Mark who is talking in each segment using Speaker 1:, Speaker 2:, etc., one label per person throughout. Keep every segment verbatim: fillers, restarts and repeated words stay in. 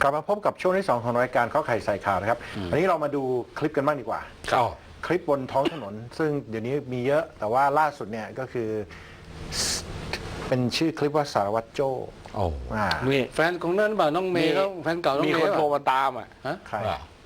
Speaker 1: ลับมาพบกับช่วงที่สองของรายการข้อไข่ใส่ข่าวนะครับอันนี้เรามาดูคลิปกันบ้างดีกว่าคลิปบนท้องถนนซึ่งเดี๋ยวนี้มีเยอะแต่ว่าล่าสุดเนี่ยก็คือเป็นชื่อคลิปว่าสารวัตรโจ้
Speaker 2: โอ้
Speaker 1: อ่า
Speaker 3: นี่แฟนของนั่นเปล่าน้องเมย์เขาแฟนเก่าน้อง
Speaker 2: มี
Speaker 3: เมย์
Speaker 2: คนโทร
Speaker 3: เปล่า
Speaker 2: มาตามอ่ะ
Speaker 3: ฮะ
Speaker 1: ใคร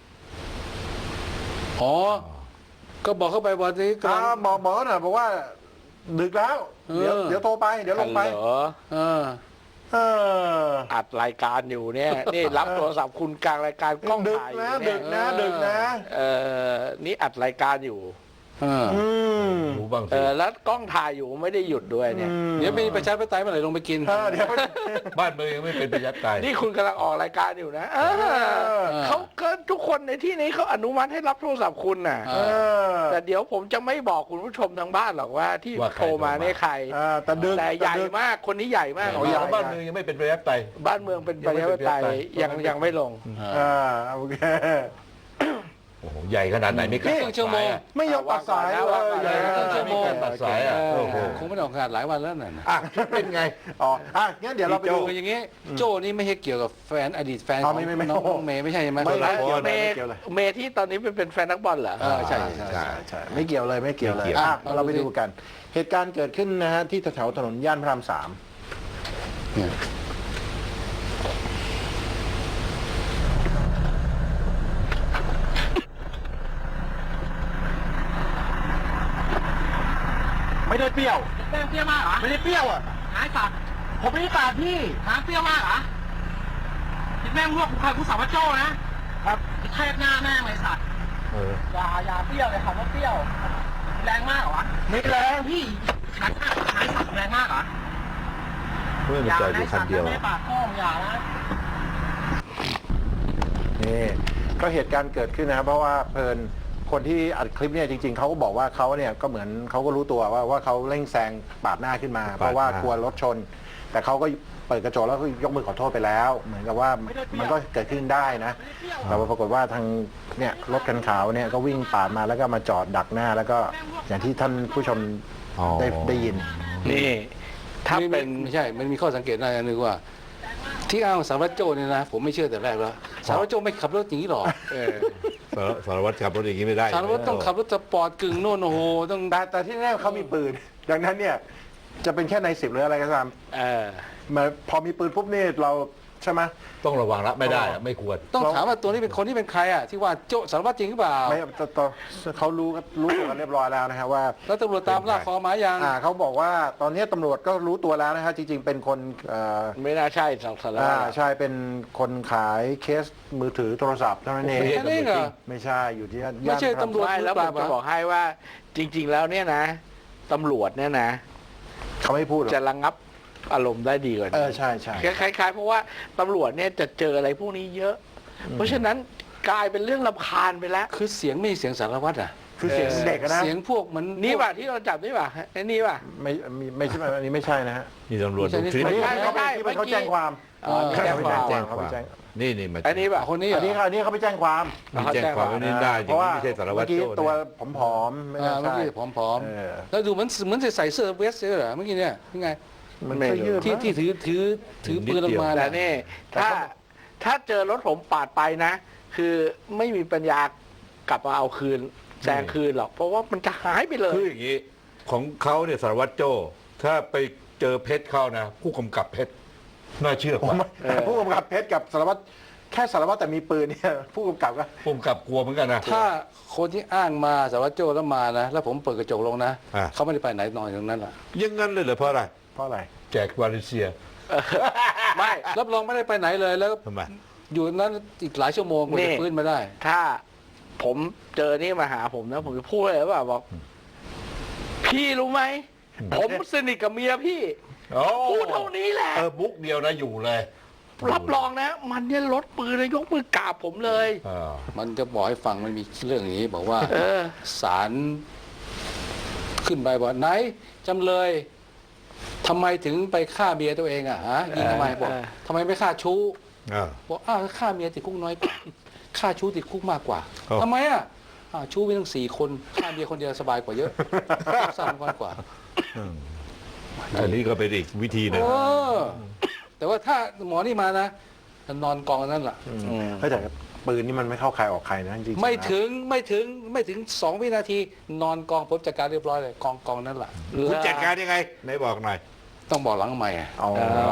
Speaker 3: อ๋อก็บอกเข้าไปวันนี้กำ
Speaker 1: อ่า
Speaker 3: ลัง
Speaker 1: บอกบอกหน่อยบอกว่าดึกแล้ว
Speaker 3: เออ
Speaker 1: เดี๋ยวเดี๋ยวโทรไปเดี๋ยวลงไป
Speaker 2: ฮัลโหล
Speaker 3: เออ
Speaker 1: เออ
Speaker 2: อัดรายการอยู่เนี่ย นี่รับโทรศัพท์คุณกลางรายการกล้อง
Speaker 1: ดึก
Speaker 2: ถ่ายอ
Speaker 1: นะ
Speaker 2: ยู่
Speaker 1: ดึ
Speaker 2: เนี่ย
Speaker 1: กนะดึกนะ
Speaker 2: เออนี่อัดรายการอยู่
Speaker 3: เออ
Speaker 1: อืม
Speaker 4: รู้บ้าง
Speaker 2: เอ
Speaker 4: สิ
Speaker 2: อแล้วกล้องถ่ายอยู่ไม่ได้หยุดด้วยเนี่ย
Speaker 3: เดี๋ยวมีประชาธิปไตยเมื่อไหร่ลงไปกิน
Speaker 1: เออเดี๋ยว
Speaker 4: บ้านเมืองยังไม่เป็นประชาธิปไตย
Speaker 2: นี่คุณกำลังออกรายการอยู่นะเออเขาก็ทุกคนในที่นี้เขาอนุมัติให้รับโทรศัพท์คุณน่ะ
Speaker 3: เอ
Speaker 1: เออ
Speaker 2: แต่เดี๋ยวผมจะไม่บอกคุณผู้ชมทางบ้านหรอกว่าที่
Speaker 4: ว่าใคร
Speaker 2: โทรมาเนี่ยใคร
Speaker 1: เออแต่ดึก
Speaker 2: แต่ใหญ่
Speaker 1: ดึก
Speaker 2: มากคนนี้ใหญ่มาก
Speaker 1: เอาใหญ่
Speaker 4: บ้านเมืองยังไม่เป็นประชาธิปไตย
Speaker 2: บ้านเมืองเป็นประชาธิปไตยยังยังไม่ลง
Speaker 1: เออโอเค
Speaker 4: โอ้โหใหญ่ขนาดไหนไม่กล้า
Speaker 3: ครึ่งชั่วโมง
Speaker 1: ไม่ยอมตัดสายเลย
Speaker 2: ว่างก่อนนะ
Speaker 1: เออ
Speaker 3: ครึ่งชั่วโมง
Speaker 4: ตัดสายอ่ะโอ้โห
Speaker 3: คงไม่ได้ออกงานหลายวันแล้วน่ะนะ
Speaker 4: อ่ะเป็นไง
Speaker 1: อ๋ออ่ะงั้นเดี๋ยวเราไปดู
Speaker 3: คืออย่างงี้โจ้นี่ไม่ใช่เกี่ยวกับแฟนอดีตแฟน
Speaker 1: อ๋
Speaker 3: ข
Speaker 1: อ
Speaker 3: อง
Speaker 1: ไม่ไม่ไม่
Speaker 3: น้องน้องเมย์ไม่ใช่ใช่ไหม
Speaker 1: ไม่
Speaker 3: คนละคน
Speaker 2: เมย์
Speaker 1: เกี่ยวเลย
Speaker 2: เมย์ที่ตอนนี้เป็นเป็นแฟนนักบอลเหรอ
Speaker 3: เออใช่ใช่
Speaker 4: ใช่
Speaker 1: ใช่ไม่เกี่ยวเลยไม่เกี่ยวเลย
Speaker 4: ไม่เกี่ยว
Speaker 1: อ่ะ
Speaker 3: เอา
Speaker 1: เราไป
Speaker 3: ดูสิ
Speaker 1: ดูกัน เหตุการณ์เกิดขึ้นนะฮะที่แถวๆถนนย่านพระรามสาม
Speaker 3: เนี่ย
Speaker 1: ไม่ได้เปรี้ยว
Speaker 5: แม่งเปรี้ยวมากเหรอ
Speaker 1: ไม่ได้เปรี้ยวอ่ะ
Speaker 5: หายสัตว์ผมไม่ได้ปาดพี่หาเปรี้ยวมากเหรอคิดแม่งรวบกูใครกูสาวว่าโจ้นะครับเทพหน้าแม่งเลยสัตว์
Speaker 4: เออ
Speaker 5: อย่าอย่าเปรี้ยวเลยคำว่าเปรี้ยว แรงมากเหรอวะ
Speaker 1: ไม่แรง
Speaker 5: พี่หายสัตว์หายสัตว์แรงมากเหรอ
Speaker 4: เพื่อน
Speaker 5: อย่า
Speaker 4: จอดอ
Speaker 5: นะ
Speaker 4: ยู่คั
Speaker 5: สั
Speaker 4: น
Speaker 5: ตว์
Speaker 4: เดียว
Speaker 5: ไม่ได้ปาดข้องอย่านะ
Speaker 1: นี่ก็เหตุการณ์เกิดขึ้นนะครับเพราะว่าเพลินคนที่อัดคลิปเนี่ยจริงๆเขาก็บอกว่าเขาเนี่ยก็เหมือนเขาก็รู้ตัวว่าว่าเขาเร่งแซงปาดหน้าขึ้นมา เพราะว่ากลัวรถชน แต่เขาก็เปิดกระจกแล้วก็ยกมือขอโทษไปแล้ว เหมือนกับว่ามันก็เกิดขึ้นได้นะแต่ว่าปรากฏว่าทางเนี่ยรถคันขาวเนี่ยก็วิ่งปาดมาแล้วก็มาจอดดักหน้า แล้วก็อย่างที่ท่านผู้ชม
Speaker 4: อ๋อ
Speaker 1: ได้ได้ยิน
Speaker 2: นี่ถ้า
Speaker 3: ไม่
Speaker 2: เป็น
Speaker 3: ไม่ใช่ มันมีข้อสังเกตอะไรอันหนึงว่า ที่อ้างสารวัตรโจ้เนี่ยนะ ผมไม่เชื่อแต่แรกแล้วสารวัตรโจ้ไม่ขับรถอย่างนี้หรอก
Speaker 2: เออ
Speaker 4: สารสารวัตรขับรถอย่างนี้ไม่ได้
Speaker 3: สารวัตรต้องขับรถสปอร์ตกึ่งโน่นโอ้โหต้อง
Speaker 1: แต่แต่ที่แน่เขามีปืน ดังนั้นเนี่ยจะเป็นแค่ในสิบหรืออะไรก็ตาม
Speaker 2: เออ
Speaker 1: มาพอมีปืนปุ๊บนี่เราใช่ไหม
Speaker 4: ต้องระวังละไม่ได้อะไม่ควร
Speaker 3: ต้องถามว่าตัวนี้เป็นคนที่เป็นใครอ่ะที่ว่าโจ้สารวัตรจริงหรือเปล่า
Speaker 1: ไม่ตตเขารู้รู้ตัวกันเรียบร้อยแล้วนะครับว่า
Speaker 3: แล้วตำรวจตามล่าคอหมายัง
Speaker 1: อ่าเขาบอกว่าตอนนี้ตำรวจก็รู้ตัวแล้วนะครับจริงๆ เป็นคนเอ่อ
Speaker 2: ไม่น่าใช่สองสาร
Speaker 1: อ่า
Speaker 2: วัตร
Speaker 1: ใช่เป็นคนขายเคสมือถือโทรศัพท์เท่านั้นเอง
Speaker 3: แค่นี้เหรอ
Speaker 1: ไม่ใช่อยู่ที่ย่าน
Speaker 3: ไม่ใช่ตำรวจ
Speaker 2: ไม่แล้วผมจะบอกให้ว่าจริง ๆ แล้วเนี่ยนะตำรวจเนี่ยนะ
Speaker 1: เขาไม่พูดหรอก
Speaker 2: จะระงับอารมณ์ได้ดีกว่า
Speaker 1: เอ
Speaker 2: นี้
Speaker 1: อใช่ใช่
Speaker 2: คล้ายๆเพราะว่าตำรวจเนี่ยจะเจออะไรพวกนี้เยอะ เพราะฉะนั้นกลายเป็นเรื่องรำคาญไปแล้ว
Speaker 3: คือเสียงไม่ใช่เสียงสารวัตรอ่ะ
Speaker 1: คือเสียงเด็กอะนะ
Speaker 3: เสียงพวกมัน
Speaker 2: นี่ป่ะที่เราจับนี่ป่ะไอ้นี่ป่ะ
Speaker 1: ไม่ไม่ไม่ใช่อันนี้ไม่ใช่นะฮะ
Speaker 4: นี่ตำรวจดูคลิป
Speaker 1: อันนี้
Speaker 2: ไม่
Speaker 1: เขาไป
Speaker 2: ใช่
Speaker 1: ที่มัน
Speaker 2: เมื่
Speaker 1: เขา
Speaker 2: อกี้
Speaker 1: แจ้งความ
Speaker 2: อ๋อมีแจ้งความ
Speaker 4: แจ้ง
Speaker 1: เขา
Speaker 4: ค
Speaker 1: ไป
Speaker 4: วาม
Speaker 1: แจ้ง
Speaker 4: นี่นี่มา
Speaker 2: อันนี้ป่ะ
Speaker 3: คนนี้เหร
Speaker 1: อั
Speaker 3: อน
Speaker 1: นี้อันนี้เขาไปแจ้งความ
Speaker 4: มีแจ้งความไว้นี่ได้จ
Speaker 1: เพ
Speaker 4: ริง
Speaker 1: ราะว่า
Speaker 4: ไม่ใช่สารวัตร
Speaker 1: เมื่อกี้
Speaker 4: โจ้
Speaker 1: ตัว
Speaker 4: เนี่ย
Speaker 1: ผอมๆไม่
Speaker 3: อ่า
Speaker 1: น่า
Speaker 3: เมื่อ
Speaker 1: ใช่
Speaker 3: กี้ผอม
Speaker 1: เออ
Speaker 3: ๆแล้วดูเหมือนเหมือนจะใส่เสื้อเวสต์เหรอเมื่อกี้เนี่ยยังไง
Speaker 1: มันเสื้อยืด
Speaker 3: ที่
Speaker 1: มั้ง
Speaker 3: ที่ถือถือถือปืนออกมา
Speaker 2: แต่
Speaker 3: น่ะ
Speaker 2: นี่ถ้าถ้าเจอรถผมปาดไปนะ คือไม่มีปัญญากลับมาเอาคืนแซงคืนหรอก เพราะว่ามันจะหายไปเลย
Speaker 4: คืออย่างนี้ของเขาเนี่ยสารวัตรโจ้ถ้าไปเจอเพชรเข้านะ ผู้กำกับเพชรน่าเชื่อกว่า
Speaker 1: แต่ผู้กำกับเพชรกับสารวัตรแค่สารวัตรแต่มีปืนเนี่ยผู้กำกับก็
Speaker 4: ผู้กำกับกลัวเหมือนกันนะ
Speaker 3: ถ้าคนที่อ้างมาสารวัตรโจ้แล้วมานะ แล้วผมเปิดกระจกลงนะ
Speaker 4: อ่า
Speaker 3: เขาไม่ได้ไปไหนนอนอยู่ตรงนั้นแหละ
Speaker 4: อยังงั้นเลยเหรอเพราะอะไร
Speaker 1: เพราะอะไร
Speaker 4: แจกวาริเซีย
Speaker 2: ไม่
Speaker 3: รับรองไม่ได้ไปไหนเลยแล้ว
Speaker 4: ทำไม
Speaker 3: อยู่นั้นอีกหลายชั่วโมงกว่า
Speaker 2: นี่
Speaker 3: จะฟื้นมาได้
Speaker 2: ถ้าผมเจอนี่มาหาผมนะ ผมจะพูดเลยว่าบอก พี่รู้ไหม ผมสนิทกับเมียพี่
Speaker 4: โอ้
Speaker 2: พูดเท่านี้แหละ
Speaker 4: เออบุ๊กเดียวนะอยู่เลย
Speaker 2: รับรองนะ มันเนี่ยลดปืนเลยยกมือกราบผมเลย
Speaker 4: เออ
Speaker 3: มันจะบอกให้ฟังมันมีเรื่องอย่างนี้ บอกว่า
Speaker 2: เออ
Speaker 3: ศาลขึ้นไปบอกไหนจำเลยทำไมถึงไปฆ่าเมียตัวเองอ่ะฮะยิงทำไมบอก
Speaker 2: เออ
Speaker 3: ทำไมไม่ฆ่าชู้
Speaker 4: เออ
Speaker 3: บอกอ้าวฆ่าเมียติดคุกน้อยกว่า ฆ่าชู้ติดคุกมากกว่า
Speaker 4: อ๋อ
Speaker 3: ทำไมอ่ะอ้าวชู้มีตั้งสี่คนฆ่าเมียคนเดียวสบายกว่าเยอะสั้นกว่ากว่า
Speaker 4: อืมอันนี้ก็เป็นอีกวิธีหนึ่ง
Speaker 3: เออแต่ว่าถ้าหมอนี่มานะนอนกองนั่นแหละ
Speaker 1: อืม
Speaker 2: อืม
Speaker 1: เฮ้ยแต่ปืนนี่มันไม่เข้าใครออกใครนะจริงๆ
Speaker 3: ไม่
Speaker 1: นะ
Speaker 3: ถึงไม่ถึงไม่ถึงสองวินาที นอนกองผมจัดการเรียบร้อยเลยกองกองนั่นแหละ
Speaker 4: คุณจัดการยังไงไหนบอกหน่อย
Speaker 3: ต้องบอกหลังใหม่อะ
Speaker 1: อ๋อ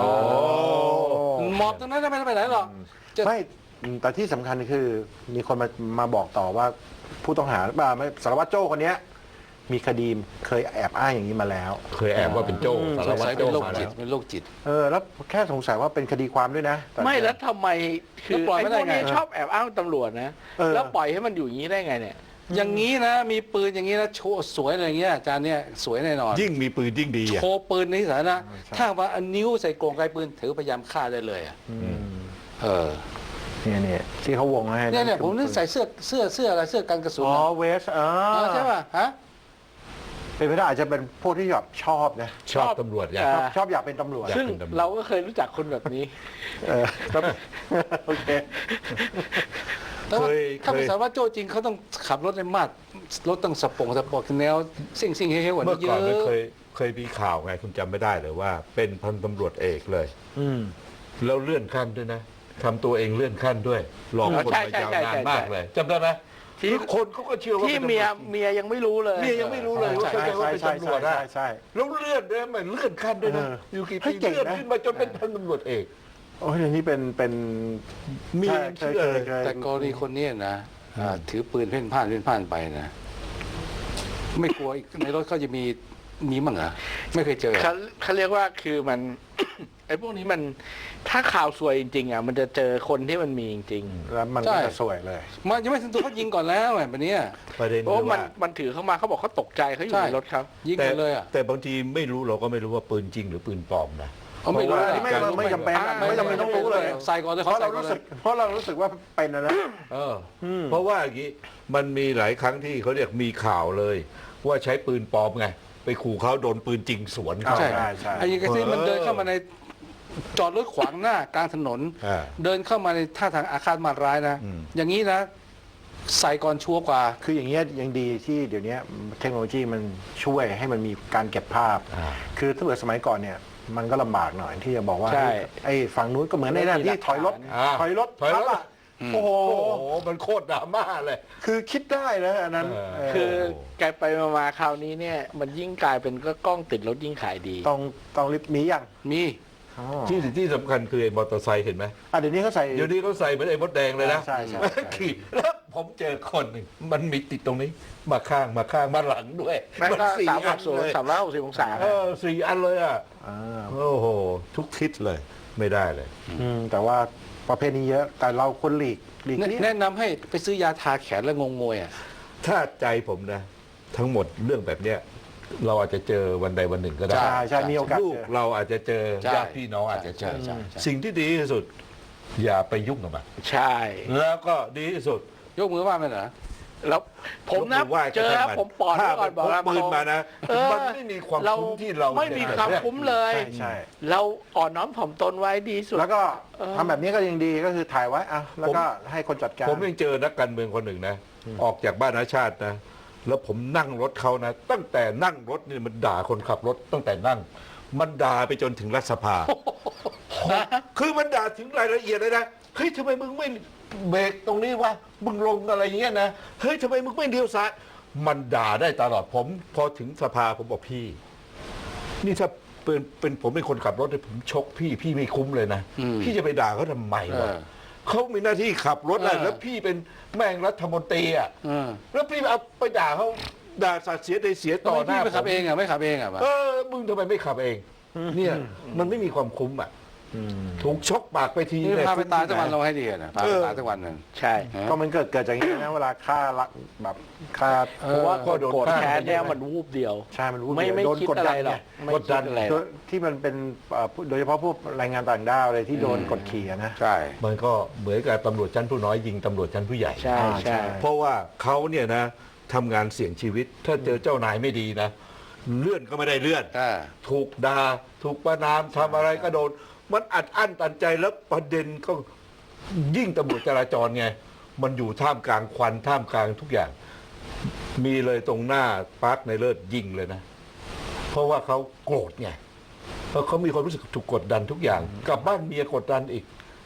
Speaker 3: หมอบตรงนั้นไม่ได้ไปไหนหรอกจะ
Speaker 1: ไม่แต่ที่สำคัญคือมีคนมามาบอกต่อว่าผู้ต้องหาบ่าไม่สารวัตรโจ้คนเนี้ยมีคดีเคยแอบอ้างอย่างนี้มาแล้ว
Speaker 4: เคยแอบว่าเป็นโจ้
Speaker 1: อืม
Speaker 4: สาร
Speaker 3: สง
Speaker 4: วัต
Speaker 3: สัย
Speaker 4: ร
Speaker 3: เป็
Speaker 4: โจ้
Speaker 3: นโรค
Speaker 4: มา
Speaker 3: จิ
Speaker 4: แล้
Speaker 3: ต
Speaker 4: ว
Speaker 3: เป็นโรคจิต
Speaker 1: เออแล้วแค่สงสัยว่าเป็นคดีความด้วยนะต่
Speaker 2: ไม่แล้วทำไมคือ
Speaker 3: แล้วปล่อย
Speaker 2: ไอ้
Speaker 3: ไม่
Speaker 2: พ
Speaker 3: ได้
Speaker 2: วกนี้
Speaker 3: ไง
Speaker 2: ชอบแอบอ้างตำรวจนะ
Speaker 1: เออ
Speaker 2: แล้วปล่อยให้มันอยู่อย่างนี้ได้ไงเนี่ย
Speaker 3: อย่างนี้นะ มีปืนอย่างนี้นะโชว์สวยอะไรอย่างเงี้ยอาจารย์เนี่ยสวยแน่นอน
Speaker 4: ยิ่งมีปืนยิ่งดีอ่ะ
Speaker 3: โชว์ปืนในสาธารณะถ้าว่าเอานิ้วใส่กรงไกลปืนถือพยายามฆ่าได้เลยอะ
Speaker 1: อืม
Speaker 3: เออ
Speaker 1: เนี่ยเนี่ยที่เขาวงให้
Speaker 3: เนี่ยเนี่ยผมนึกใส่เสื้อเสื้อเสื้ออะไรเสื้อกันกระสุน
Speaker 1: อ๋อ
Speaker 3: นะ
Speaker 1: เวสอ๋อ
Speaker 3: เออใช่ป่ะฮะ
Speaker 1: เป็นไปได้อาจจะเป็นพวกที่แบบชอบนะ
Speaker 4: ชอบตำรวจไง
Speaker 2: อ่า
Speaker 1: ชอบชอบอยากเป็นตำรวจ
Speaker 4: อยาก
Speaker 2: ซึ่ง
Speaker 4: เป็นตำรวจ
Speaker 2: เราก็เคยรู้จักคนแบบนี้
Speaker 1: เออครับโอเค
Speaker 3: แต่ว่า
Speaker 4: เคย
Speaker 3: ถ้าเป็น
Speaker 4: เคย
Speaker 3: สารวัตรโจจริงเขาต้องขับรถในมาดรถต้องสปงสปอร์ตแนวซิ่งซิ่งเฮ้ยๆกว่า
Speaker 4: เมื่อ
Speaker 3: นี้เย
Speaker 4: ก่อ
Speaker 3: อะ
Speaker 4: นไม่เคยเคยมีข่าวไงคุณจำไม่ได้เลยว่า เป็นพันตำรวจเอกเลย
Speaker 1: อืม
Speaker 4: แล้วเลื่อนขั้นด้วยนะทำตัวเองเลื่อนขั้นด้วยหลอกคน
Speaker 2: ใช่
Speaker 4: มา
Speaker 2: ใช่
Speaker 4: ยาว
Speaker 2: ใช่
Speaker 4: นาน
Speaker 2: ใช่
Speaker 4: มากเลยจำได้ไหม
Speaker 2: ที่
Speaker 4: คือคนเขาก็เชื่อว่า
Speaker 2: ที่
Speaker 4: ป็นตำรวจ
Speaker 2: เมียเมียยังไม่รู้เลย
Speaker 4: เมียยังไม่รู้เลยว่า
Speaker 1: ใช่
Speaker 4: เข้าใจว่าเป็น
Speaker 1: ใช่
Speaker 4: ตำรวจ
Speaker 1: ใช่
Speaker 4: อะ
Speaker 1: ใช่ใช่
Speaker 4: แล้วเลื่อนด้วยมันเลื่อนขั้นด้วยนะ
Speaker 1: เออ
Speaker 4: อยู่กี่
Speaker 1: เฮ้
Speaker 4: ปี
Speaker 1: ยเก่ง
Speaker 4: เลื่อน
Speaker 1: นะ
Speaker 4: ขึ้นมาจนเป็นพันตำรวจเอก
Speaker 1: โอ้ยอย่างนี้เป็นเป็น
Speaker 4: มี
Speaker 1: ใช่
Speaker 4: เชื่อเลย
Speaker 1: คค
Speaker 3: แต่กรณีคนเนี้ยนะอ่าถือปืนเพ่นพ่านเพ่นพ่านไปนะ ไม่กลัวอีกในรถเขาจะมีมีมั้งเหรอไม่เคยเจอ
Speaker 2: เขาเขาเรียกว่าคือมัน ไอ้พวกนี้มันถ้าข่าวสวยจริงๆอ่ะมันจะเจอคนที่มันมีจริง
Speaker 1: แล้วมัน
Speaker 3: ใช่
Speaker 1: ก็จะสวยเลย
Speaker 3: มันยังไม่ถึงตัวเขายิงก่อนแล้วแบบเนี้ย
Speaker 4: ประเด็น
Speaker 2: ๆเพราะ
Speaker 4: คือ
Speaker 2: มัน
Speaker 4: ว่า
Speaker 2: มันถือเข้ามาเขาบอกเขาตกใจเขาอยู่
Speaker 3: ใช่
Speaker 2: ในรถครับ
Speaker 3: ยิง
Speaker 4: แต่
Speaker 3: กันเลยอ่ะ
Speaker 4: แต่บางทีไม่รู้เราก็ไม่รู้ว่าปืนจริงหรือปืนปลอมนะ
Speaker 3: เขาไม่รู้
Speaker 1: เพราะว่าไม่ไม่ไม่จำเป็นอะไม่จำเป็นต้องรู้เลย
Speaker 3: ใส่ก่อนเลย
Speaker 1: เพราะเรา
Speaker 3: ใส่ก่อน
Speaker 1: รู้
Speaker 3: ลย
Speaker 1: สึกเพราะเรารู้สึกว่าเป็นนะนะ
Speaker 4: เอออ
Speaker 1: ม
Speaker 4: เพราะว่าอย่างนี้มันมีหลายครั้งที่เขาเรียกมีข่าวเลย ว่าใช้ปืนปลอมไง ไปขู่เขาโดนปืนจริงสวนเขา
Speaker 3: ใช่
Speaker 1: ใช่ใช่
Speaker 3: ไอ้ยังไงที่มันเดินเข้ามาในจอดรถขวางหน้ากลางถนน
Speaker 4: อ่า
Speaker 3: เดินเข้ามาในท่าทางอาฆาตมาตร้ายนะ
Speaker 4: อืม
Speaker 3: อย่างนี้นะ ใส่ก่อนชัวร์กว่า
Speaker 1: คืออย่างเงี้ยยังดีที่เดี๋ยวนี้เทคโนโลยีมันช่วยให้มันมีการเก็บภาพ
Speaker 4: อ่า
Speaker 1: คือถ้าเกิดสมัยก่อนเนี่ย มันก็ลำบากหน่อยที่จะบอกว่า
Speaker 2: ใช่
Speaker 1: ไอ้ฝั่งนู้นก็เหมือนในนั่นที่ถอยรถ
Speaker 4: อ่า
Speaker 1: ถอยรถ
Speaker 4: ถอยรถ
Speaker 1: ทับอะโอ้โห
Speaker 4: โอ้โหมันโคตรดราม่าเลย
Speaker 1: คือคิดได้นะอันนั้น
Speaker 4: เออ
Speaker 1: เออ
Speaker 2: คือแกไปมาๆคราวนี้เนี่ย มันยิ่งกลายเป็นก็กล้องติดรถยิ่งขายดี
Speaker 1: ต้องต้องรีบมีอย่าง
Speaker 3: มี
Speaker 1: อ๋อ
Speaker 4: ที่ที่สำคัญคือไอ้มอเตอร์ไซค์เห็นไหม
Speaker 1: อ่ะเดี๋ยวนี้เขาใส่
Speaker 4: เดี๋ยวนี้เขาใส่เหมือนไอ้มดแดงเลยนะ
Speaker 1: ใช่ใช่ใช่
Speaker 4: ขี่แล้วผมเจอคนหนึ่งมันมีติดตรงนี้ มาข้างมาข้างมาหลังด้วย
Speaker 2: แม่ง
Speaker 4: มัน
Speaker 2: ก็
Speaker 4: สี่
Speaker 2: สามห
Speaker 4: อั
Speaker 2: ก
Speaker 4: น
Speaker 2: ศูน
Speaker 4: เล
Speaker 2: ย์
Speaker 4: ย
Speaker 2: สามร้อยหกสิบองศา
Speaker 4: เออสี่อันเลยอ่ะ
Speaker 1: อ่า
Speaker 4: โอ้โห ทุกทิศเลย ไม่ได้เลย
Speaker 1: อืมแต่ว่าประเภทนี้เยอะ แต่เราควรหลีกหลีก
Speaker 3: แนะ
Speaker 1: เลี่ยง
Speaker 3: แนะนำให้ไปซื้อยาทาแขนแล้วงงงวยอ่ะ
Speaker 4: ถ้าใจผมนะ ทั้งหมดเรื่องแบบเนี้ยเราอาจจะเจอวันใดวันหนึ่งก็ได้
Speaker 1: ใช่ใช่มีโอกาส
Speaker 4: ลูก
Speaker 1: เจอ
Speaker 4: เราอาจจะเจอ
Speaker 3: ใช่
Speaker 4: ญาติพี่น้องอาจจะเจอ
Speaker 3: ใช่ใช่
Speaker 4: สิ่งที่ดีที่สุด อย่าไปยุ่งกับมัน
Speaker 2: ใช่
Speaker 4: แล้วก็ดีที่สุด
Speaker 3: ยกมือว่ามันเหรอ
Speaker 2: แล้วผมนะ
Speaker 4: ยกอไหว้
Speaker 2: เจอ
Speaker 4: ก็ช่างน
Speaker 2: ผมปอดไว้ก่อนบอก
Speaker 4: ถ้า
Speaker 2: ว่า
Speaker 4: มันพกปืนมานะ
Speaker 2: เออ
Speaker 4: มันไม่มีความ
Speaker 2: เรา
Speaker 4: คุ้มที่เรา
Speaker 2: ไม่มีความคุ้มเลย
Speaker 1: ใช่ใช่
Speaker 2: เราอ่อนน้อมถ่อมตนไว้ดีสุด
Speaker 1: แล้วก็
Speaker 2: เออ
Speaker 1: ทำแบบนี้ก็ยังดีก็คือถ่ายไว้อ่ะแล้วก็ให้คนจัดการ
Speaker 4: ผมยังเจอนักการเมืองคนหนึ่งนะ ออกจากบ้านอาชาตินะ แล้วผมนั่งรถเขานะ ตั้งแต่นั่งรถนี่มันด่าคนขับรถตั้งแต่นั่ง มันด่าไปจนถึงรัฐสภา คือมันด่าถึงรายละเอียดเลยนะ เฮ้ยทำไมมึงไม่เบรกตรงนี้วะ มึงลงอะไรอย่างเงี้ยนะ เฮ้ยทำไมมึงไม่เลี้ยวซ้าย มันด่าได้ตลอดผม พอถึงสภาผมบอกพี่ นี่ถ้าเป็นเป็นผมเป็นคนขับรถเนี่ยผมชกพี่ พี่ไม่คุ้มเลยนะ
Speaker 3: อืม
Speaker 4: พี่จะไปด่าเขาทำไมวะ
Speaker 3: เออ
Speaker 4: เขามีหน้าที่ขับรถอะ
Speaker 3: เออ
Speaker 4: แล้วพี่เป็นแม่งรัฐมนตรีอ่ะ
Speaker 3: เออ
Speaker 4: แล้วพี่เอาไปด่าเขาด่าสัตว์เสียใดเสีย
Speaker 3: ต่
Speaker 4: ต่
Speaker 3: อ
Speaker 4: อ
Speaker 3: ห
Speaker 4: ห
Speaker 3: น้า
Speaker 4: น้า
Speaker 3: ไปขับ
Speaker 4: ผม
Speaker 3: เองอ่ะไม่ขับเองอ่ะวะ
Speaker 4: เออมึงทำไมไม่ขับเอง เนี่ยมันไม่มีความคุ้มอ่ะ
Speaker 1: อืม
Speaker 4: ถูกชกปากไปที
Speaker 3: นี่
Speaker 4: เนี่ย
Speaker 3: พาไปตาย
Speaker 4: คุ้
Speaker 3: สัก
Speaker 4: ม
Speaker 3: วัน
Speaker 4: ที่ห
Speaker 3: เราให้ดีอะนะพาไปตายสักวันหนึ่ง
Speaker 2: ใช่
Speaker 1: ก็มันเกิดเกิดจากอย่างนี้นะเวลาฆ่ารักแบบฆ่า
Speaker 3: เอ
Speaker 2: เพราะว่า
Speaker 4: ก็โดน
Speaker 2: โกรธ
Speaker 4: ฆ่า
Speaker 2: แค้นเนี่ยมันวูบเดียว
Speaker 1: ใช่มันรู้
Speaker 2: ไม่ไม่
Speaker 1: โดน
Speaker 2: คิด
Speaker 1: กด
Speaker 2: อะไร
Speaker 1: ดัน
Speaker 2: หร
Speaker 1: ไง
Speaker 2: อกไม่
Speaker 4: กดดัน
Speaker 2: คิอะไรห
Speaker 1: โด
Speaker 2: รอก
Speaker 1: ยที่มันเป็นเอ่อโดยเฉพาะพวกแรงงานต่างด้าวเลยที่โดนกดขี่อะนะ
Speaker 3: ใช่
Speaker 4: มันก็เหมือนกับตำรวจชั้นผู้น้อยยิงตำรวจชั้นผู้ใหญ่
Speaker 2: ใช่
Speaker 1: อ่าใช่
Speaker 2: ใช่
Speaker 4: เพราะว่าเขาเนี่ยนะทำงานเสี่ยงชีวิต ถ้าเจอเจ้านายไม่ดีนะ เลื่อนก็ไม่ได้เลื่อน
Speaker 3: อ่า
Speaker 4: ถูกด่าถูกประนามทำอะไรก็โดน มันอัดอั้นตันใจแล้วประเด็นก็ยิ่งตำรวจจราจรไง มันอยู่ท่ามกลางควันท่ามกลางทุกอย่าง มีเลยตรงหน้าปาร์คในเลิศยิงเลยนะ เพราะว่าเขาโกรธไงเพราะเขามีความรู้สึกถูกกดดันทุกอย่าง กลับบ้านเมียกดดันอีก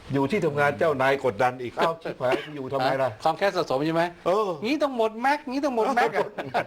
Speaker 4: อยู่ที่ทำงานเจ้านายกดดันอีกเอ้าชิบหายอยู่ทำไมล่ะ
Speaker 3: ความแค้นสะสมใช่ไหม
Speaker 4: เออ
Speaker 3: งี้ต้องหมดแม็กงี้ต้องหมดแม็กอะ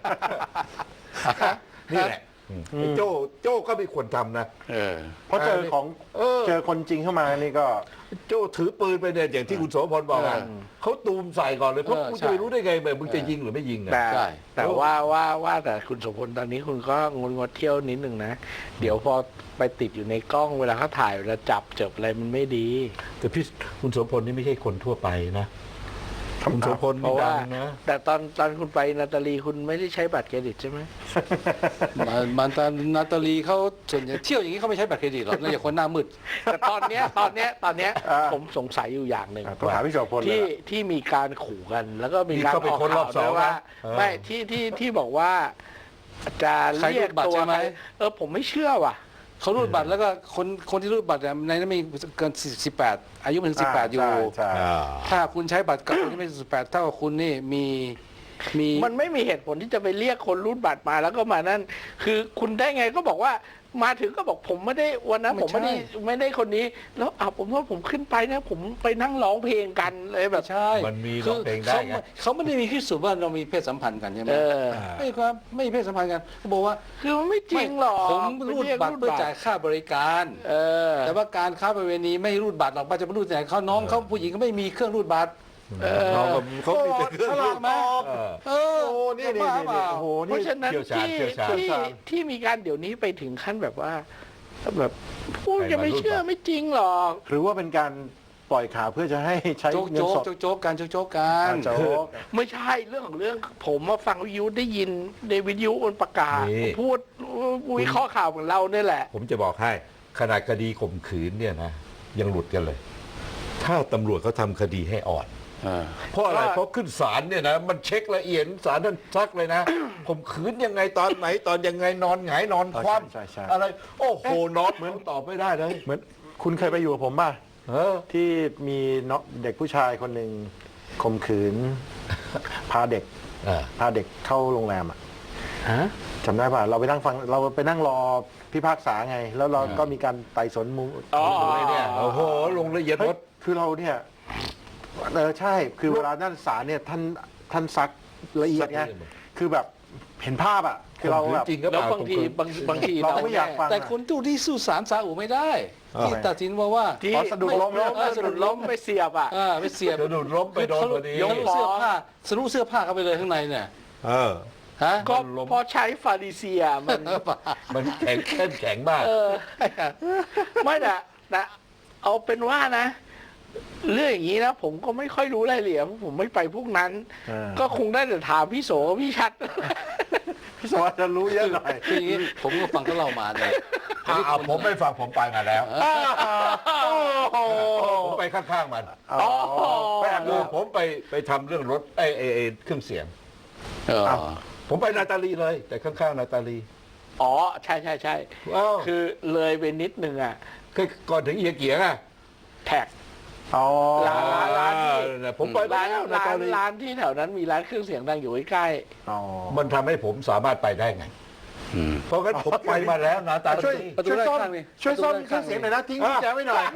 Speaker 4: นี่แหละไอ้โจ้โจ้ก็ไม่ควรทำนะ
Speaker 3: เออ
Speaker 1: เพราะเจอของ
Speaker 4: เออ
Speaker 1: เจอคนจริงเข้ามานี่ก็
Speaker 4: โจ้ถือปืนไปเนี่ยอย่างที่คุณโสพลบอกอะ
Speaker 3: เออ
Speaker 4: เขาตูมใส่ก่อนเลยเพราะ
Speaker 3: เออ
Speaker 4: คุณ
Speaker 3: ใช่
Speaker 4: จะไปรู้ได้ไงแบบมึงจะยิงหรือไม่ยิงอะ
Speaker 2: แต่
Speaker 3: ใช่
Speaker 2: แต่ว่าว่าว่าแต่คุณโสมพลตอนนี้คุณก็งดงดเที่ยวนิดหนึ่งนะ เดี๋ยวพอไปติดอยู่ในกล้องเวลาเขาถ่ายเวลาจับเจบอะไรมันไม่ดี
Speaker 4: แต่พี่คุณโสพลนี่ไม่ใช่คนทั่วไปนะคุณโสพล
Speaker 2: เพ
Speaker 4: นี่
Speaker 2: ราะ
Speaker 4: ดั
Speaker 2: ว่า
Speaker 4: งนะ
Speaker 2: แต่ตอนตอนคุณไปนาตาลีคุณไม่ได้ใช้บัตรเครดิตใช่ไหม
Speaker 3: มันมันตอนนาตาลีเขาส่วนใหญ่เที่ยวอย่างนี้เขาไม่ใช้บัตรเครดิตหรอกน่าจะคนหน้ามืด
Speaker 2: แต่ตอนเนี้ยตอนเนี้ยตอนเนี้ย
Speaker 1: อ่า
Speaker 2: ผมสงสัยอยู่อย่างหนึ่ง
Speaker 1: ต้องถามพี่โสพลเลย
Speaker 2: ที่
Speaker 1: ล่ะ
Speaker 2: ที่มีการขู่กัน แล้วก็มีการ
Speaker 4: นี่เข้าไป
Speaker 2: ออก
Speaker 4: ค้นรอ
Speaker 2: ข่า
Speaker 4: บ
Speaker 2: ว
Speaker 4: สอง
Speaker 2: ด้วยว่า
Speaker 4: นะเออ
Speaker 2: ไม่ที่ที่ที่บอกว่า จะ
Speaker 3: ใคร
Speaker 2: เรียก
Speaker 3: รูดบัตร
Speaker 2: ตัว
Speaker 3: ใช่ไหม
Speaker 2: ใครเออผมไม่เชื่อว่ะ
Speaker 3: เขารูดบัตรแล้วก็คนคนที่รูดบัตรเนี่ยในนั้นมีเกินสิบแปดอายุมันถึงสิบแปดอยู่
Speaker 1: ใช่ใช่
Speaker 4: อ่า
Speaker 3: ถ้าคุณใช้บัตรกับคนที่ไม่สิบแปดเท่ากับคุณนี่มีมี
Speaker 2: มันไม่มีเหตุผลที่จะไปเรียกคนรูดบัตรมาแล้วก็มานั่น คือคุณได้ไงก็บอกว่ามาถึงก็บอกผมไม่ได้วันนั้นผมไม่ได้ไม่ได้คนนี้ แล้วอ่ะผมว่าผมขึ้นไปนะผมไปนั่งร้องเพลงกันเลยแบบ
Speaker 3: ใช่
Speaker 4: มันมี
Speaker 3: คื
Speaker 4: ร้องเพลงได้
Speaker 3: เขา
Speaker 4: ไง
Speaker 3: เขาไม่ได้มีพิสูจน์ว่าเรามีเพศสัมพันธ์กันใช่ไหม
Speaker 2: เออ
Speaker 3: ไม่ครับไม่มีเพศสัมพันธ์กันเขาบอกว่า
Speaker 2: คือมันไม่จริงหรอก
Speaker 3: ผมรูดบัตรเพื่อจ่ายค่าบริการ
Speaker 2: เออ
Speaker 3: แต่ว่าการค้าประเวณีไม่รูดบัตรหรอกป้าจะไปรูดแต่เขาน้องเขาผู้หญิงก็ไม่มีเครื่องรูดบัตร
Speaker 2: เออ
Speaker 4: น้องก็เขามีแต่เครื่อง
Speaker 1: ฉลาด
Speaker 4: รูด
Speaker 1: มาก
Speaker 4: เออ
Speaker 3: เออ
Speaker 1: โอ้นี่นี่
Speaker 3: บ้า
Speaker 1: นี่
Speaker 3: เปล่า
Speaker 1: โอ้โห
Speaker 2: เพ
Speaker 1: นี่
Speaker 2: ราะฉะนั้น
Speaker 4: เชี่ยวชาญ
Speaker 2: ที่
Speaker 4: เชี่ยวชาญ
Speaker 2: ที่ที่มีการเดี๋ยวนี้ไปถึงขั้นแบบว่าแบบพูดจะไม่เชื่อไม่จริงหรอก
Speaker 1: หรือว่าเป็นการปล่อยข่าวเพื่อจะให้ใช้
Speaker 3: โจ๊ก
Speaker 1: เงิน
Speaker 3: โจ๊ก
Speaker 1: สด
Speaker 3: โจ๊กโจ๊กกันโจ๊กโจ๊กกัน
Speaker 1: อ่าโจ๊ก
Speaker 2: ไม่ใช่เรื่องของเรื่องผมมาฟังวิทยุได้ยินในวิทยุมันประกาศ
Speaker 4: นี่
Speaker 2: พูดวิเคราะห์ข่าวของเราเนี่ยแหละ
Speaker 4: ผมจะบอกให้ขนาดคดีข่มขืนเนี่ยนะยังหลุดกันเลย ถ้าตำรวจเขาทำคดีให้อ่อน
Speaker 3: เออ
Speaker 4: เพราะอะไร
Speaker 2: ว่า
Speaker 4: เพราะขึ้นศาลเนี่ยนะมันเช็คละเอียดศาลท่านซักเลยนะ ข่มขืนยังไงตอนไหนตอนยังไงนอนหงายนอนคว่
Speaker 1: ใช่ใช่
Speaker 4: ำอะไร โอ้โหนอนเหมือนตอบไม่ได้เลย
Speaker 1: เหมือนคุณเคยไปอยู่กับผมป่ะ
Speaker 4: เออ
Speaker 1: ที่มีเนาะเด็กผู้ชายคนหนึ่งข่มขืน พาเด็ก
Speaker 4: อ่า
Speaker 1: พาเด็กเข้าโรงแรมอ่ะ
Speaker 2: ฮะ
Speaker 1: จำได้ป่ะเราไปนั่งฟังเราไปนั่งรอพิพากษาไง แล้วเราก็มีการไต่สวนมูล
Speaker 2: อ๋อ
Speaker 4: อะไรเนี่ยโอ้โหลงละเอียด
Speaker 1: เฮ้
Speaker 4: หม
Speaker 1: ย
Speaker 4: ด
Speaker 1: คือเราเนี่ยเออใช่คือเวลาด้านศาลเนี่ยท่านท่านซักละเอียดไง
Speaker 4: ซักละเอียดหมด
Speaker 1: คือแบบเห็นภาพอ่ะคือเราแบบ
Speaker 4: จริงก็
Speaker 2: แล้ว
Speaker 4: เปล่า
Speaker 2: บางทีบางบางที
Speaker 1: เราก็ไม่อยากฟัง
Speaker 3: แต่คุณตู้ที่สู้ศาลซาอุไม่ได้
Speaker 4: อ่า
Speaker 3: ที่ตัดสินว่าว่า
Speaker 2: ที่
Speaker 1: อ๋อสะดุดล้ม
Speaker 2: ล้ม
Speaker 3: เออ
Speaker 2: สะดุดล้มไปเสียบอ่ะ
Speaker 3: อ่าไปเสียบ
Speaker 4: จะดูดล้มไปโดนพอดี
Speaker 3: ยกเสื้อผ้าสรุปเสื้อผ้าเข้าไปเลยข้างในเนี่ย
Speaker 4: เออ
Speaker 3: ฮะ
Speaker 2: ก็
Speaker 4: ล้ม
Speaker 2: พอใช้ฟาริเซียมัน
Speaker 4: มันแข็งเข้มแข็งมาก
Speaker 2: เออ ไม่แต่แต่เอาเป็นว่านะ เรื่องอย่างนี้นะผมก็ไม่ค่อยรู้รายละเอียดเพราะผมไม่ไปพวกนั้น
Speaker 1: เออ
Speaker 2: ก็คงได้แต่ถามพี่โสพี่ชัด
Speaker 1: พี่สวัสดิ์จะรู้เยอะหน่อย
Speaker 3: คืออย่างนี้ผมก็ฟังเขาเล่ามาเนี่ย
Speaker 4: อ่าผมไม่ฟังผมไปมาแล้ว ผมไปข้างๆมัน
Speaker 1: อ๋อไปแอบ
Speaker 4: คื
Speaker 1: ดู
Speaker 4: อผมไปไปทำเรื่องรถไอ้ไอ้ไอ้เครื่องเสียง
Speaker 3: เออ
Speaker 4: ผมไปนาตาลีเลย แต่ข้างๆนาตาลี
Speaker 2: อ๋อใช่ใช่ใช่
Speaker 4: ว้าว
Speaker 2: คือเลยไปนิดนึงอ่ะ
Speaker 4: คือก่อนถึงเอียเกียงอ่ะ
Speaker 2: แท็ก
Speaker 1: อ๋อ
Speaker 2: ร้านร้านร้านที่
Speaker 4: อ่าผมไป
Speaker 2: ร้าน
Speaker 4: แล้วนา
Speaker 2: ร้า
Speaker 4: ตาน ลี
Speaker 2: ร้านที่แถวนั้นมีร้านเครื่องเสียงดังอยู่ใกล้
Speaker 1: อ๋อ
Speaker 4: มันทำให้ผมสามารถไปได้ไง เพราะงั้นผมไปมาแล้วนาตา
Speaker 1: ช่วย
Speaker 4: ลี
Speaker 3: ประตู
Speaker 1: ช่วย
Speaker 3: ด้าน
Speaker 1: ซ่อม
Speaker 3: ข้างนี่
Speaker 1: ช่วยซ่อม
Speaker 3: ประตู
Speaker 1: เครื่องเสียงหน่อยนะทิ้งกุญแจไว้หน่อย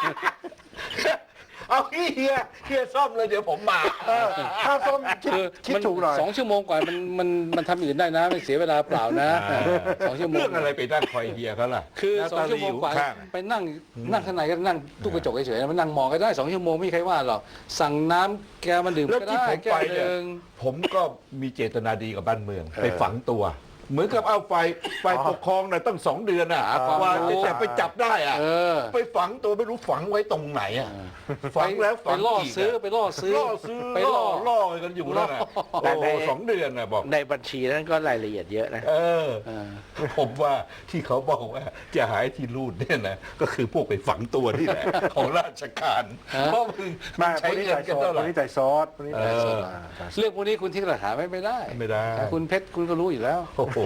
Speaker 4: เอาเฮียเฮียซ่อมเลยเดี๋ยวผมมา
Speaker 1: เออค่าซ่อมคิด
Speaker 3: คือ
Speaker 1: คิด
Speaker 3: มัน
Speaker 1: ถูกหน่อย
Speaker 3: สองชั่วโมงกว่ามันมันมันทำอื่นได้นะไม่เสียเวลาเปล่านะ
Speaker 4: อ่า
Speaker 3: สองชั่วโมง
Speaker 4: เรื่องอะไรไปนั่งคอยเฮียเขาล่ะ
Speaker 3: คือ
Speaker 4: นา
Speaker 3: สอง
Speaker 4: ตา
Speaker 3: ชั่
Speaker 4: ลี
Speaker 3: วโม
Speaker 4: อง ยู่
Speaker 3: กว่า
Speaker 4: ข้าง
Speaker 3: ไปนั่งนั่งข้างในก็นั่งตู้กระจกเฉยๆมันนั่งมองก็ได้สองชั่วโมงไม่มีใครว่าหรอกสั่งน้ำแกวมันดื่ม
Speaker 4: แล้ว
Speaker 3: ก็
Speaker 4: ที่
Speaker 3: ได้
Speaker 4: ผม
Speaker 3: แก้
Speaker 4: ไป
Speaker 3: วห
Speaker 4: เนี่ย
Speaker 3: นึ่ง
Speaker 4: ผมก็มีเจตนาดีกับบ้านเมือง ไปฝังตัว เหมือนกับเอาไฟไฟปกครองน่ะตั้งสองเดือนอ่ะ
Speaker 3: หาความ
Speaker 4: ว่า
Speaker 3: รู้
Speaker 4: จะไปจับได้อ่ะ
Speaker 3: เออ
Speaker 4: ไปฝังตัวไม่รู้ฝังไว้ตรงไหนอ่ะฝังแล้ว
Speaker 3: ไป
Speaker 4: ฝัง
Speaker 3: ล่อ
Speaker 4: อีกะ
Speaker 3: ซื้อไปล่อซื้อ
Speaker 4: ล่อซื้อ
Speaker 3: ไป
Speaker 4: ล่
Speaker 3: ล่
Speaker 4: อ
Speaker 3: อ
Speaker 4: ล่อกันอยู่นั่นน่ะ
Speaker 2: แต่
Speaker 4: โอ้
Speaker 2: ใน
Speaker 4: โหสองเดือนน่ะบอก
Speaker 2: ๆ ในบัญชีนั้นก็รายละเอียดเยอะนะ
Speaker 4: เออ
Speaker 3: เออ
Speaker 4: ผมว่าที่เขาบอกว่าจะหายที่รูดเนี่ยนะก็คือพวกไปฝังตัวนี่แหละ ของราชการ
Speaker 3: ฮะ
Speaker 4: เพราะมึง
Speaker 1: มา
Speaker 4: ใช้
Speaker 1: คนนี้
Speaker 4: เงิ
Speaker 1: จ่าน ย
Speaker 4: กัน
Speaker 1: ซอ
Speaker 4: เท่า
Speaker 1: ส
Speaker 4: ไห
Speaker 1: ค
Speaker 4: ร่
Speaker 1: นนี้จ่ายซอสคนนี้จ่ายซอส
Speaker 4: เออ
Speaker 1: อ่าจ่ายซอส
Speaker 3: เรื่องพวกนี้คุณทิ้งหลักฐานไว้ไม่ได้
Speaker 4: ไม่ได้
Speaker 3: แต่คุณเพชรคุณก็รู้อยู่แล้ว
Speaker 4: โอ้โห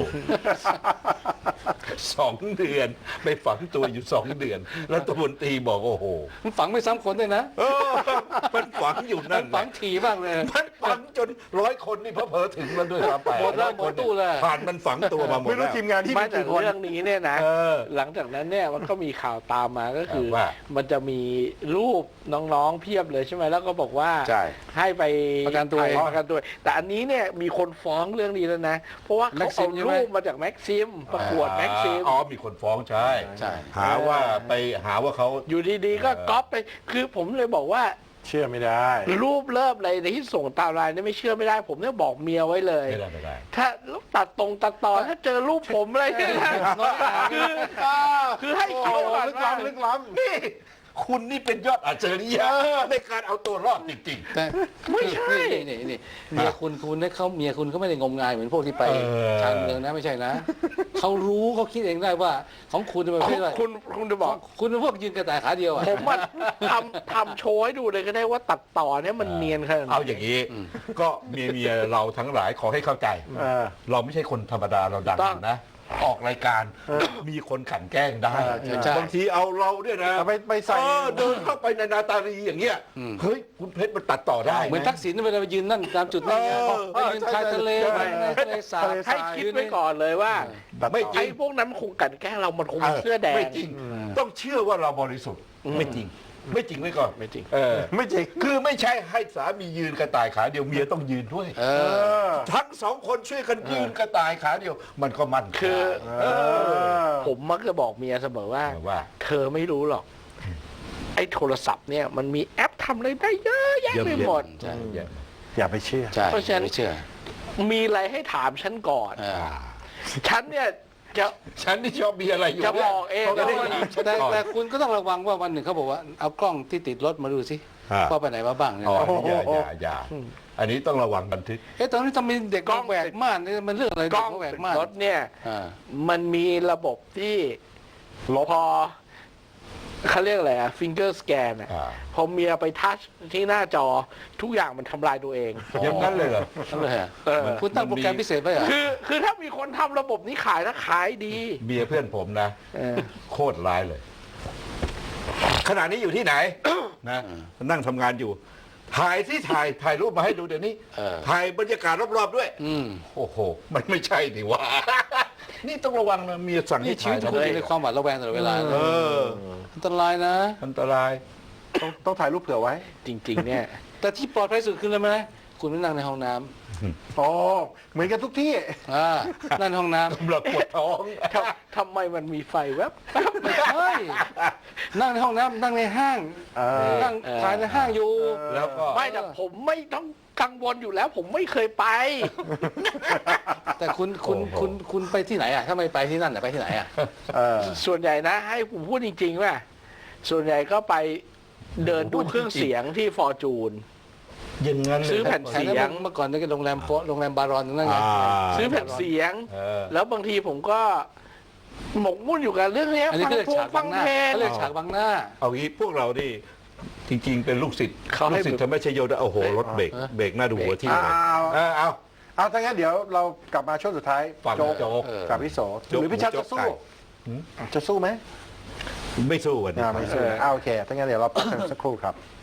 Speaker 4: สองเดือนไปฝังตัวอยู่สองเดือน แล้วตำรวจตีบอกโอ้โห
Speaker 3: มันฝังไม่ซ้ำคนด้วยนะ
Speaker 4: เออมันฝังอยู่
Speaker 3: มั
Speaker 4: นั่
Speaker 3: น
Speaker 4: น
Speaker 3: ฝัง
Speaker 4: น่ะ
Speaker 3: ถี่มากเลย
Speaker 4: มันฟังจนร้อยคนนี่เพอเพอๆถึงแล้วด้วยซ้ำไป
Speaker 3: หมดแล้วหมดตู้แล้ว
Speaker 4: ผ่านมันฝังตัวมาหมด
Speaker 1: ไม่รู้
Speaker 4: แล้ว
Speaker 1: ทีมงานที่
Speaker 2: ไม่
Speaker 1: มี
Speaker 2: แต่
Speaker 1: กี่คน
Speaker 2: เรื่องนี้เนี่ยนะ
Speaker 4: เออ
Speaker 2: หลังจากนั้นเนี่ยมันก็มีข่าวตามมาก็คือ
Speaker 4: ว่า
Speaker 2: มันจะมีรูปน้องๆเพียบเลยใช่ไหมแล้วก็บอกว่า
Speaker 3: ใช่
Speaker 2: ให้ไป
Speaker 3: ประกันตัว
Speaker 2: ถ่ายประกันตัว แต่อันนี้เนี่ยมีคนฟ้องเรื่องนี้แล้วนะ เพราะว่าเขาเอา
Speaker 3: Maxim ใช่ไหม
Speaker 2: รูปมาจากแม็กซิมประกวดแม็กซิม
Speaker 4: อ๋อมีคนฟ้องใช่
Speaker 3: ใช่
Speaker 4: หาว่าไปหาว่าเขา
Speaker 2: อยู่ดีๆก็
Speaker 4: เออ
Speaker 2: ก๊อปไป คือผมเลยบอกว่า
Speaker 1: เชื่อไม่ได้
Speaker 2: รูปเลิฟอะไรที่ส่งตามไลน์เนี่ยไม่เชื่อไม่ได้ ผมเนี่ยบอกเมียไว้เลย
Speaker 4: ไม่ได้ไม่ได้
Speaker 2: ถ้าตัดตรงตัดตอนถ้าเจอรูปผมอะไรเนี่ยนะคือคือให้คิดก่อน
Speaker 1: ลึก
Speaker 2: ว่า
Speaker 1: ล้ำลึกล้ำ
Speaker 4: นี่คุณนี่เป็นยอดอัจฉริยะในการเอาตัวรอดจริง
Speaker 3: แต่
Speaker 2: ไม่ใช่
Speaker 3: นี่นี่นี่เมียคุณคุณเนี่ยเขาเมียคุณเขาไม่ได้งมงายเหมือนพวกที่ไป
Speaker 4: เออ
Speaker 3: ชานเมืองนะไม่ใช่นะ เขารู้เขาคิดเองได้ว่า ของคุณเป็นประเภทอะไร
Speaker 2: คุณคุณจะบอก
Speaker 3: คุณเป็นพวกยืนกระต่ายขาเดียวอ่ะ
Speaker 2: ผมอะทำทำโชว์ให้ดูเลยก็ได้ว่าตัดต่อเนี่ยมันเนียนขนาด
Speaker 4: ๆ
Speaker 2: ไหน
Speaker 4: เอาอย่างนี้ ก็เมียเมียเราทั้งหลายขอให้เข้าใจ
Speaker 1: เออ
Speaker 4: เราไม่ใช่คนธรรมดาเราดังนะ ออกรายการมีคนขันแกล้งได้
Speaker 3: ใช่
Speaker 4: บางทีเอาเราเนี่ยนะ
Speaker 1: เอาไปไปใส่
Speaker 4: เออเดินเข้าไปในนาตาลีอย่างเงี้ยเฮ้ยคุณเพชรมันตัดต่อได้
Speaker 3: เหมือนทักษิณเวลาไปยืนนั่นตามจุดนั่นไง
Speaker 4: เออ
Speaker 3: ไปยืนชายทะเล
Speaker 1: ใช่
Speaker 3: ไปในทะเลสาบ
Speaker 2: ให้คิดไว้ก่อนเลยว่า
Speaker 4: ไม่จริ
Speaker 2: ไอ้
Speaker 4: ง
Speaker 2: พวกนั้นมันคงกลันแกล้งเรามันคงเป็นเสื้อแดง
Speaker 4: ไม่จริง ต้องเชื่อว่าเราบริสุทธิ์ไม่จริง ไม่จริงไว้ก่อน
Speaker 2: ไม่จริง
Speaker 4: เออ
Speaker 1: ไม่จริง
Speaker 4: คือไม่ใช่ให้สามียืนกระต่ายขาเดียวเมียต้องยืนด้วย
Speaker 3: เอ
Speaker 1: เอ
Speaker 3: อ
Speaker 1: อ
Speaker 4: ทั้งสองคนช่วยกันยืนกระต่ายขาเดียว มันก็มั่น
Speaker 2: คือ
Speaker 1: เออ
Speaker 2: ผมมักจะบอกเมียเสมอว่า
Speaker 4: ว่า
Speaker 2: เธอไม่รู้หรอก ไอ้โทรศัพท์เนี่ยมันมีแอปทำอะไรได้เยอะแยะไปหมด
Speaker 3: ใช่
Speaker 4: เยอะ
Speaker 1: อย่าไปเชื่อ
Speaker 3: ใช่
Speaker 2: เพราะฉะนั้น
Speaker 3: ไม่เชื่อ
Speaker 2: มีอะไรให้ถามฉันก่อน
Speaker 3: เออ
Speaker 2: ฉันเนี่ยจะ
Speaker 4: ฉันนี่ชอบมีอะไรอยู่
Speaker 2: จะบอกเอง
Speaker 4: เขาจะได้
Speaker 2: ว่า
Speaker 4: ถามฉัน
Speaker 3: แต่
Speaker 4: ก่อน
Speaker 3: แต่คุณก็ต้องระวังว่าวันหนึ่งเขาบอกว่าเอากล้องที่ติดรถมาดูสิ
Speaker 4: อ่า
Speaker 3: ว่าไปไหนมาบ้างเนี่ย
Speaker 4: อ๋อ
Speaker 3: นะ
Speaker 4: อย่าอย่าอย่าอันนี้ต้องระวังบันทึก
Speaker 3: เอ๊ะตอนนี้ทำไมเด็ก
Speaker 2: กล้อง
Speaker 3: แหวกม่านเนี่ยมันเรื่องอะไร
Speaker 2: ก
Speaker 3: เด็
Speaker 2: ล้
Speaker 3: ก
Speaker 2: อง
Speaker 3: แหวก
Speaker 2: ติด
Speaker 3: ม่าน
Speaker 2: รถเนี่ย
Speaker 3: อ่า
Speaker 2: มันมีระบบที่พอเขาเรียกอะไรอะฟิงเกอร์สแกนอะ
Speaker 4: อ่า
Speaker 2: พอเมียไปทัชที่หน้าจอทุกอย่างมันทำลายตัวเอง
Speaker 4: อย่างนั้นเลยเหรอ
Speaker 3: นั่นเลยอะ
Speaker 2: เออ
Speaker 3: คุณตั้งโปรแกรมพิเศษไว้เหรอ
Speaker 2: คือคือถ้ามีคนทำระบบนี้ขายนะขายดี
Speaker 4: เมียเพื่อนผมนะ
Speaker 2: เออ
Speaker 4: โคตรร้ายเลย ขณะนี้อยู่ที่ไหน นะนั่งทำงานอยู่ ถ่ายที่ถ่ายถ่ายรูปมาให้ดูเดี๋ยวนี้
Speaker 3: เออ
Speaker 4: ถ่ายบรรยากาศรอบๆด้วย
Speaker 3: อืม
Speaker 4: โอ้โห มันไม่ใช่ดิว่า นี่ต้องระวังนะเมียสั่ง
Speaker 3: นี่
Speaker 4: ให้
Speaker 3: ชี
Speaker 4: ถ่า
Speaker 3: วิ
Speaker 4: ย ทำไม
Speaker 3: ตคุณอยู่ในความหวาดระแวงตลอดเวลา
Speaker 4: เออ
Speaker 3: อันตรายนะ
Speaker 4: อันตราย
Speaker 1: ต้องต้องถ่ายรูปเผื่อไว้
Speaker 2: จริง ๆ เนี่ย
Speaker 3: แต่ที่ปลอดภัยสุดคืออะไรไหมคุณไม่นั่งในห้องน้ำ
Speaker 1: อ๋อ เหมือนกันทุกที่
Speaker 3: อ่านั่งในห้องน้
Speaker 4: กำลังปวดท้อง
Speaker 2: ทำทำไมมันมีไฟแวบ
Speaker 3: ำไม่ใช่นั่งในห้องน้ำนั่งในห้าง
Speaker 1: เออ
Speaker 3: นั่งถ่ายในห้างอยู่
Speaker 4: แล้วก็
Speaker 2: ไม่แต่ผมไม่ต้องกังวลอยู่แล้ว ผมไม่เคยไป
Speaker 3: แต่คุณคุณคุณคุณไปที่ไหนอ่ะถ้าไม่ไปที่นั่นอ่ะไปที่ไหนอ่ะ
Speaker 1: เออ
Speaker 2: ส่วนใหญ่นะ ให้ผมพูดจริงๆว่าส่วนใหญ่ก็ไปเดินดูเครื่องเสียงที่ฟอร์จูน
Speaker 4: อย่างนั้นเลย
Speaker 2: ซื้อแผ่น
Speaker 3: แถวนั้นเมื่อก่อนนี่ก็โรงแรมโฟโรงแรมบารอนนั่นไง
Speaker 4: อ่า
Speaker 2: ซื้อแผ่นเสียง
Speaker 4: เออ
Speaker 2: แล้วบางทีผมก็หมกมุ่นอยู่กับเรื่องเนี้ย
Speaker 3: อันนี้
Speaker 2: ฟัง
Speaker 3: เขาเรียก
Speaker 2: เพลง
Speaker 3: ฉาก
Speaker 2: ฟั
Speaker 3: บั
Speaker 2: ง
Speaker 3: งหน้า
Speaker 2: เพลง
Speaker 3: เขาเรียกฉากบังหน้า
Speaker 4: เอางี้พวกเรานี่จริง ๆ เป็นลูกศิษย์
Speaker 2: เขาให้
Speaker 4: ลูกศิษย์ทำไม่ใช่โยนะโอ้โหรถเบรก
Speaker 3: เออ
Speaker 4: เบรกหน้าดูหัวที่
Speaker 1: เอา
Speaker 4: เลย
Speaker 1: เอา
Speaker 4: เออเอา
Speaker 1: เอาถ้างั้นเดี๋ยวเรากลับมาช่วงสุดท้าย
Speaker 4: ฟัง
Speaker 1: โจ๊ก
Speaker 4: โจ๊ก
Speaker 3: เออ
Speaker 1: กับพี่โส
Speaker 4: โจ๊ก
Speaker 1: หรือพี่ชัด
Speaker 4: โจ๊
Speaker 1: จะ
Speaker 4: ก
Speaker 1: สู้
Speaker 4: ไก่
Speaker 1: จะสู้ไหม
Speaker 4: ไม่สู้วันนี้
Speaker 1: อ่าไม่สู้อ่าโอเคถ้างั้นเดี๋ยวเราพักกันสักครู่ครับ